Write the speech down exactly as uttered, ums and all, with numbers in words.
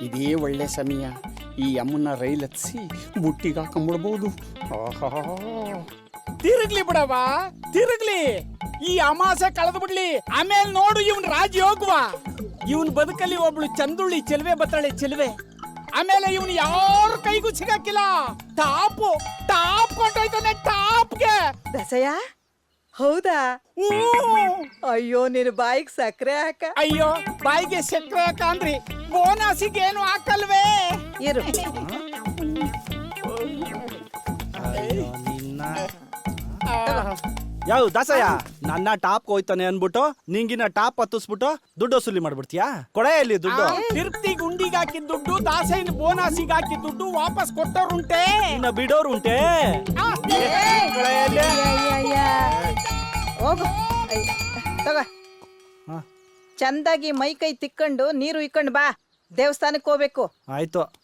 ಇದೇ ಒಳ್ಳೆ ಸಮಯ. ಈ ಅಮ್ಮನ ರೈಲ್ ಹತ್ಸಿ ಬುಟ್ಟಿಗೆ ಹಾಕೊಂಡ್ಬಿಡ್ಬೋದು. ತಿರುಗ್ಲಿ ಬಿಡವ, ತಿರುಗ್ಲಿ. ಈ ಅಮಾಸೆ ಕಳೆದು ಬಿಡ್ಲಿ, ಆಮೇಲೆ ನೋಡು ಇವನ್ ರಾಜ ಹೋಗುವ. ಇವನ್ ಬದುಕಲ್ಲಿ ಒಬ್ಳು ಚಂದುಳ್ಳಿ ಚೆಲುವೆ ಬತ್ತಾಳೆ, ಚೆಲುವೆ. ಆಮೇಲೆ ಇವನು ಯಾರ ಕೈಗೂ ಸಿಗಕ್ಕಿಲ್ಲ. Top top ಕೊಂಡೋಯ್ತಾನೆ, ಟಾಪ್ಗೆ. ದಸಯ್ಯ, ಹೌದಾ? ಅಯ್ಯೋ, ನಿನ್ ಬಾಯಿಗೆ ಸಕ್ಕರೆ ಹಾಕ. ಅಯ್ಯೋ, ಬಾಯಿಗೆ ಸಕ್ಕರೆ ಹಾಕ ಅಂದ್ರಿ, ಬೋನಸಿಗೆ ಏನು ಹಾಕಲ್ವೇ? ಇರು. ಯಾವ ದಾಸಯ್ಯ, ನನ್ನ ಟಾಪ್ ಹೋಯ್ತಾನೆ ಅನ್ಬಿಟ್ಟು ನಿಂಗಿನ ಟಾಪ್ ಹತ್ತಿಸ್ಬಿಟ್ಟು ದುಡ್ಡು ವಸೂಲಿ ಮಾಡ್ಬಿಡ್ತೀಯಾ? ಕೊಡೆ ಇಲ್ಲಿ ದುಡ್ಡು. ತಿರುಪ್ತಿ ಗುಂಡಿಗೆ ಹಾಕಿದ ದುಡ್ಡು, ದಾಸಯ್ಯನ ಬೋನಸಿಗೆ ಹಾಕಿದ ದುಡ್ಡು ವಾಪಸ್ ಕೊಟ್ಟವ್ರುಂಟೆ, ಇನ್ನ ಬಿಡೋರು ಉಂಟೆ. ಹೋಗು, ತಗೋ. ಚಂದಾಗಿ ಮೈ ಕೈ ತಿಕ್ಕೊಂಡು ನೀರು ಇಕ್ಕೊಂಡು ಬಾ. ದೇವಸ್ಥಾನಕ್ಕೆ ಹೋಗ್ಬೇಕು. ಆಯ್ತು.